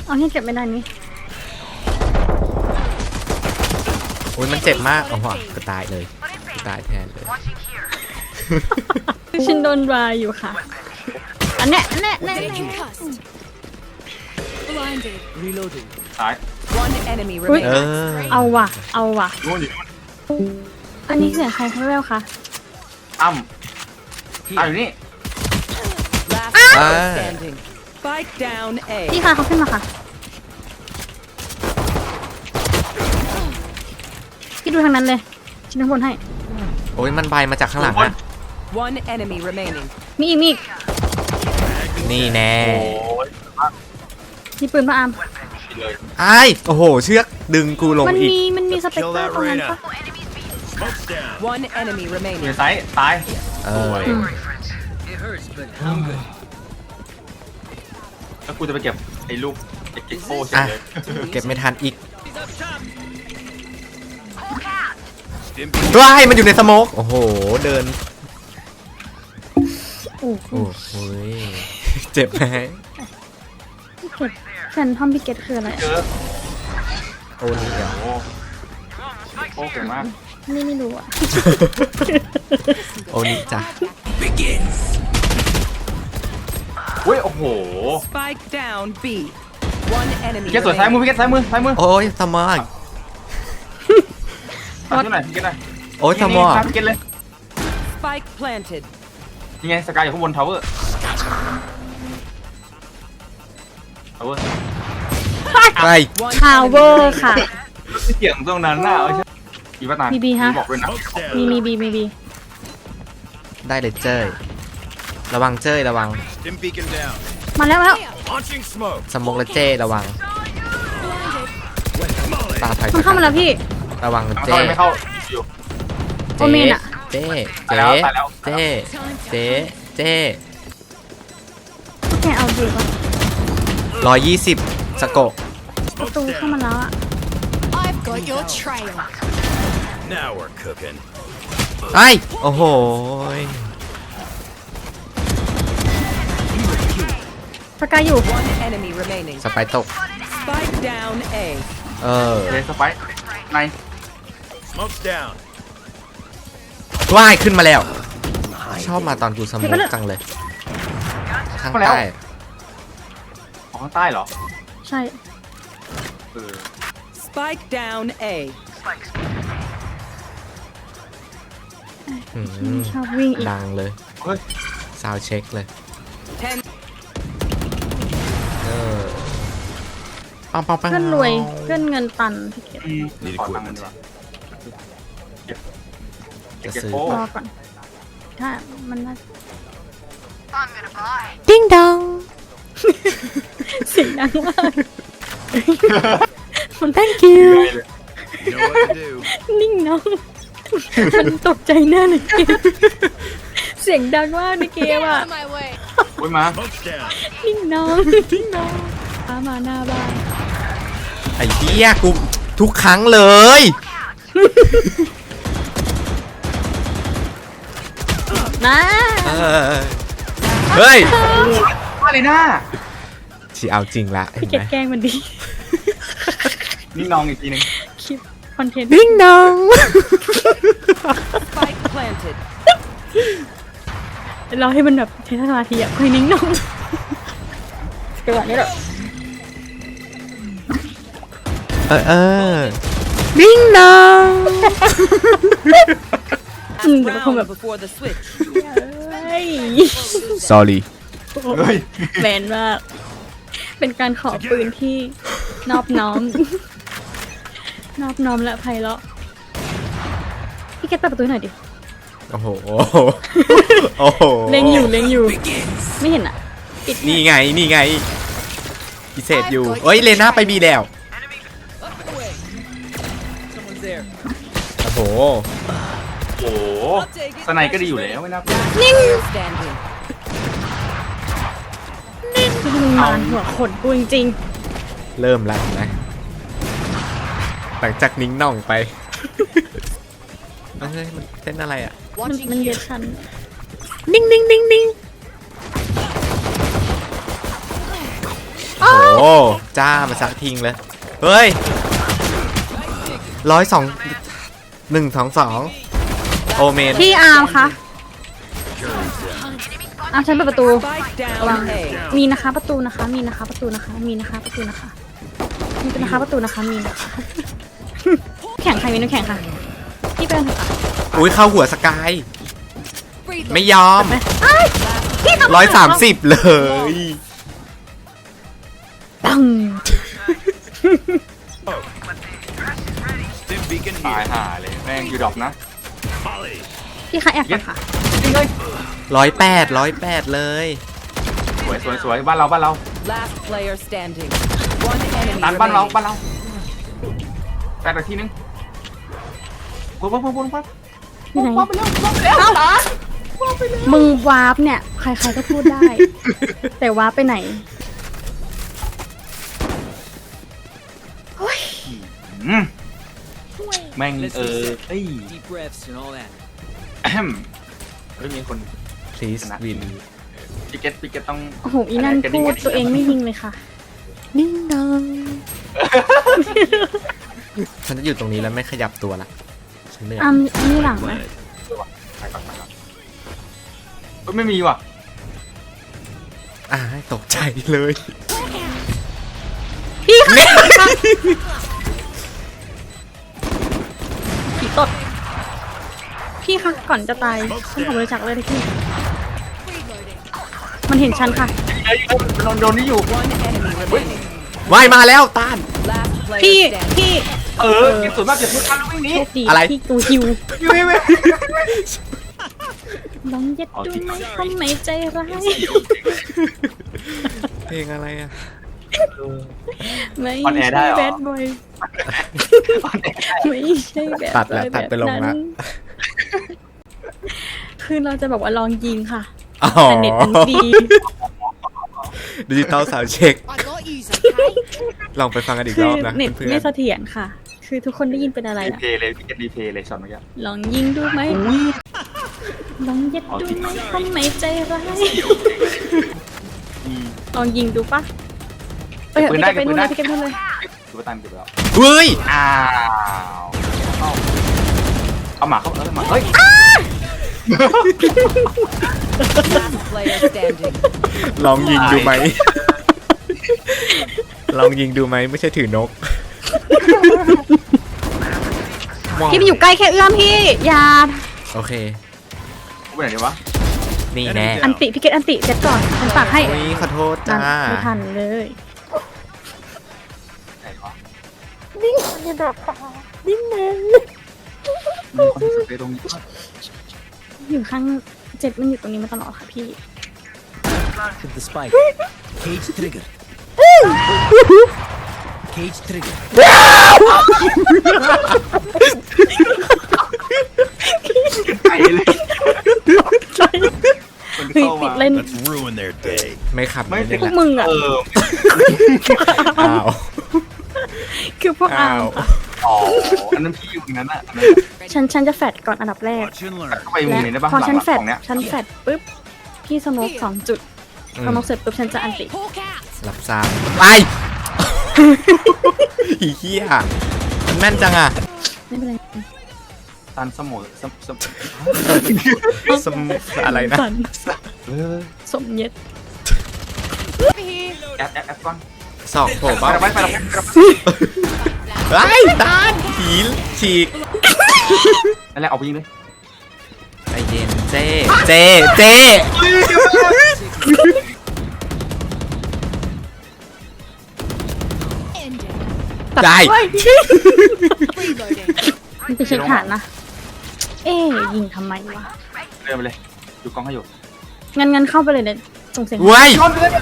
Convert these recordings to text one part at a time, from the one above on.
เอาให้เก็บไม่ได้นี่โอ้ยมันเจ็บมากโอ้โหก็ตายเลยก็ตายแทนเลยชินโดนวายอยู่ค่ะอันเนี้ยแน่ซ้าย One enemy อุ๊ย remaining. เอาว่ะเอาว่ะนู่นอยู่นู่นอันนี้เสียงใครเขาเรียกคะอ้ำอยู่นี่ Last player standing. Spike down A. พี่คะเขาขึ้นมาค่ะพี่ดูทางนั้นเลยชิ้นข้างบนให้โอ้ยมันใบมาจากข้างหลังอะ One enemy remaining. มีอีกนี่แน่โอ้ยมีปืนมาอาร์มเลยไอ้ายโอ้โหเชือกดึงกูลงมันอีกมีสเปกเตอร์ตรงนั้นปะ One enemy อยู่ remaining. ในซ้ายตายเออแล้วกูจะไปเก็บไอ้ลูกไอ้กิ๊กโป้เฉยอ่ะเลยเก็บไม่ทันอีกว้ายมันอยู่ในสโมกโอ้โหเดินโอ้โหโอ้โหยเจ็บไหมพี่เก็ตแฟนทอมพี่เก็ตคืออะไรเจอโอ้นี่อ่ะโอ้โอ้เก่งมากนี่ไม่รู้อ่ะโอ้นี่จ้ะอุ้ยโอ้โห Spike down B. One enemy พี่เกศสวยซ้ายมือ remaining. พี่เกศซ้ายมือซ้ายมือโอ้ยสมองตัดที่ไหนพี่เกศไหนโอ้ยสมองนี่พี่เกศเลย Spike planted. ยังไงสกายอยู่ข้างบนทาวเวอร์ทาวเวอร์ไป One ทาวเวอ enemy ร์ค่ะเสียงตรงนั้นน่ะเอาใช่อีป้าตาบีบีฮะบอกด้วยนะมีบีได้เลยเจ้ยระวังเจ้ยระวัง Dim beacon down. มาแล้ว Launching smoke. สมองและเจ้ระวังตาถอยมันเข้ามาแล้วพี่ระวังมันเจ้เข้าไม่เข้าอยู่โอเมนอะเจ้ตายแล้วตายแล้วเจ้เจ้เจ้แกเอาอยู่ปะ 120สโกะประตูเข้ามาแล้วอ่ะ I've got your trail. Now we're cooking. ไอ้โอ้โหยสกายอยู่ One enemy remaining. สไปร์ตก Spike down A. เออเลยสไปค์ใน Smoke's down. ว่ายขึ้นมาแล้ว ชอบมาตอนกูสมองจังเลย ข้างใต้ของข้างใต้เหรอใช่เออ Spike down A. อืมชอบวิ่งอีกดังเลยเฮ้ยซาวเช็คเลย Ten. เออปังปังปังเพื่อนรวยเพื่อนเงินตันพี่เก็ต Need ขอตังค์ equipment. ดีกว่าเก็บจะเก็บซื้อโป้รอก่อนถ้ามันน่าดิ้งดองเสียงดังมากมัน thank you You know what to do. นิ่งน้องมันตกใจแน่ในเกมเสียงดังมากในเกมอ่ะ On my way. อุ้ยมา Smoke's down. นิ่งน้องนิ่งน้องมาหน้าบ้านไอ้เหี้ยกูทุกครั้งเลยนะเออเฮ้ยมาเลยหน้าชีเอาจริงละเห็พี่นเก็ตไหมแกล้งมันดีนี่น้องอีกทีหนึงคลิปคอนเทนต์ดิ้งดอง Spike planted. เราให้มันแบบใช้สมาธิอ่ะคุยนิ่งน้องจังหวะนี้แหละเออดิ้งดองเดี๋ยวมันคงแบบ Round before the switch. เฮ้ย sorry เฮ้ยแมนมากเป็นการขอปืนที่นอบน้อม นอบน้อมและไพเราะพี่เก็ตเปิดประตูให้หน่อยดิโอ้โหโอ้โหเล็งอยู่ไม่เห็นอ่ะปิดนี่ไงนี่ไงพิเศษอยู่เอ้ยเลน่าไปบีแล้ว Someone's there. โอ้โหโอ้โหสไนก็ดีอยู่แล้วไม่น่าเกลัว Player standing. คือมึงมานหัวขนกูจริงเริ่มแล้วนะหลังจากนิ้งน่องไปเฮ้ยมันเต้นอะไรอ่ะๆมันเย็ดฉันนิ่งนิ่งนิ่งนิ่งโอ้โหจ้ามาซักทิ้งเลยเฮ้ย102 122โอเมนพี่อาร์มคะอาร์มฉันเปิดประตู Spike ระวัง down A. มีนะคะประตูนะคะ มีนะคะประตูนะคะ มีนะคะประตูนะคะมีนะคะประตูนะคะ มีนะคะ แข่งใครมีน้ำแข่งค่ะ พี่เป็นเถอะค่ะอุ้ยเข้าหัวสกาย Breathe. ไม่ยอมพี่ทำ 130 เลยปัง Stim beacon ตาย here. ห่าเลยแม่งอยู่ดรอปนะ Molly. พี่คะแอบก่อนค่ะจริงเลย 108เลยสวยบ้านเรา Last player standing. One enemy ตันบ้านเรา remaining. แปดนาทีนึงปุ๊บอยู่ไหนมึงวาร์ปเนี่ย ใครๆก็พูดได้ แต่วาร์ปไปไหนอืมแม่งเอ้ย Deep breaths and all that. แอมเฮ้ยมีคน please win ปิเก็ตต้องโอ้โห อีนั่นพูดตัวเองไม่ยิงเลยค่ะ นิ่งดังฉันจะอยู่ตรงนี้แล้วไม่ขยับตัวละฉันเหนื่อยอันนี้หลังนะไปก่อนเฮ้ยไม่มีว่ะตกใจเลยพี่ค่ะผีตด พี่ค่ะก่อนจะตายฉันขอบริจาคเลยที่พี่ Reloading. มันเห็นฉันค่ะโดนนี่อยู่ One enemy remaining. ว่ายมาแล้วต้าน Last player พี่ standing. พี่เก็บส่วนมากเก็บทุกคันแล้ววิ่งหนีโชคดีอะไรที่กูฮิววิ่งลองยัดดูไหมทำไมใจร้ายเพลงอะไรอ่ะไม่ใช่แบดบอยไม่ใช่แบดตัดบแล้อวย ตัดไปลงแบบละนั้นคือเราจะบอกว่าลองยิงค่ะอ๋อแต่เน็ตมันดีดิจิตอลสาวเช็ค I got yous, okay? ลองไปฟังกันอีกคืรออบนะเน็ตเพื่อไม่นเสถียรค่ะ คือทุกคนได้ยินเป็นอะไรรีอะเพย์เลยพี่เก็ตรีเพย์เลยช็อตเมื่อกี้ลองยิงดูไหมลองยัดดูไหมทำไมใจร้ายลองยิงดูปะไปเถอะพี่แกไปนู่นเลยพี่แกไปนู่นเลยดูว่าตันเก็บแล้วเฮ้ยอ้าวเอาหมาเข้าหมาเฮ้ย Last player standing. ลองยิงดูไหม ลองยิงดูไหมไม่ใช่ถือนกพี่ไปอยู่ใกล้แค่เอื้อมพี่อย่าโอเคไปไหนดีวะนี่แน่อันติพี่เกตอันติเจ็ดก่อนฉันปากให้โอ้ยขอโทษนั่จ้านไม่ทันเลยไหนวะดิ้งอย่าดอกตาดิ้งเลยมีคนที่สุดในตรงนี้อยู่ข้างเจ็ดมันอยู่ตรงนี้มาตลอดค่ะพี่ Hit the spike. Cage trigger. Cage trigger. ไก่เลยคนเฮ้ยเข้าติมาดเล่น Let's ruin their day. ไม่ขับไม่ไม่ติได้ดพวกมึงอ่ะอ้าวคือพวกอาอ้าวร์มค่ะอ๋ออันนั้นพี่อยู่ตรงนั้นอ่ะอันนั้นฉันจะแฟดก่อนอันดับแรก Watch and learn. เข้าไปมุมและนี้ได้ปะพอฉันแฟดของเนี้ยฉันแฟดปุ๊บพี่สโมก2 จุดสโมกเสร็จปุ๊บฉันจะอันติ Hawk out. รับทราบไปอีเหี้ยมันแม่นจังอ่ะไม่เป็นไรตันสมอสมอะไรนะสันเออสมเย็ด Over here. แอปก่อนสองโผล่ไปบ้าแล้วไปแล้วไอ้ตานผีฉีกนั่นแหละเอาไปยิงเลยใจเย็นเจเจ End it. ได้ Reloading. มันไปเช็คฐานนะ เอ๊ยยิงทำไมวะเดินไปเลยดูกล้องให้อยู่งั้นเข้าไปเลยเนี่ยส่งเสียงเว้ย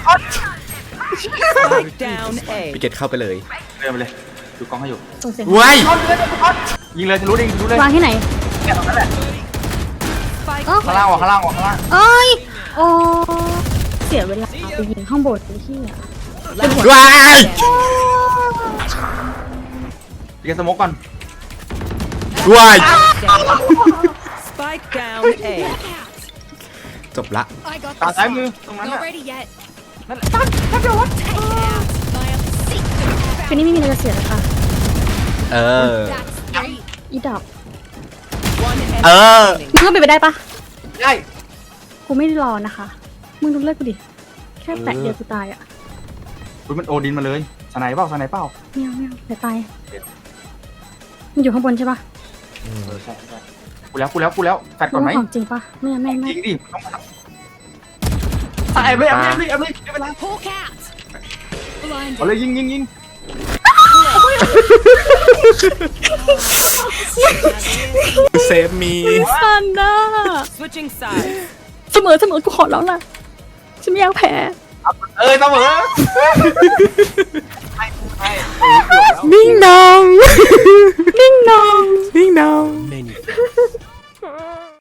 Spike down A. พี่เกตเข้าไปเลยเดินไปเลยดูกล้องให้อยู่ส่งเสียงเว้ยยิงเลยทะลุดิทะลุเลยวางที่ไหนเนี่ยตรงนั้นแหละ Spike ข้างล่างวะข้างล่างวะข้างล่างเอ้ยโอ้เสียเวลาไปยิงข้างบนไอ้ที่อ่ะเว้ยพี่แกสโมกก่อนเว้ย Spike down A. จบละ I got ตา this ซ้ายมือ one. ตรงนั้น Not น่ะ ready yet. นั่นแหละ Take it out. My obsession. คืนนี้ไม่มีอะไรจะเสียแล้วค่ะเออ That's great. อีดอก One enemy เออ remaining. มึงก็เป็นไปได้ปะได้กูไม่ได้รอนะคะ มึงดูเลือดกูดิ แค่แตะเดียวกูตายอ่ะอุ้ยมันโอดินมาเลยสไนเปล่าสไนเปล่าไม่เอาเดี๋ยวตาย มันอยู่ข้างบนใช่ปะใช่กูแล้วแฟดก่อนไหมรู้ว่าของจริงปะไม่เอาไม่จริงดิต้องแอบเลยไม่เป็นไร Hawk out. Blinded. เอาเลยยิงเซฟมีสันนะ Switching sides. เสมอกูขอแล้วล่ะ ฉันไม่อยากแพ้เสมอไม่เกือบแล้วนิ่งนองนิ่งนองนิ่งนอง Menu.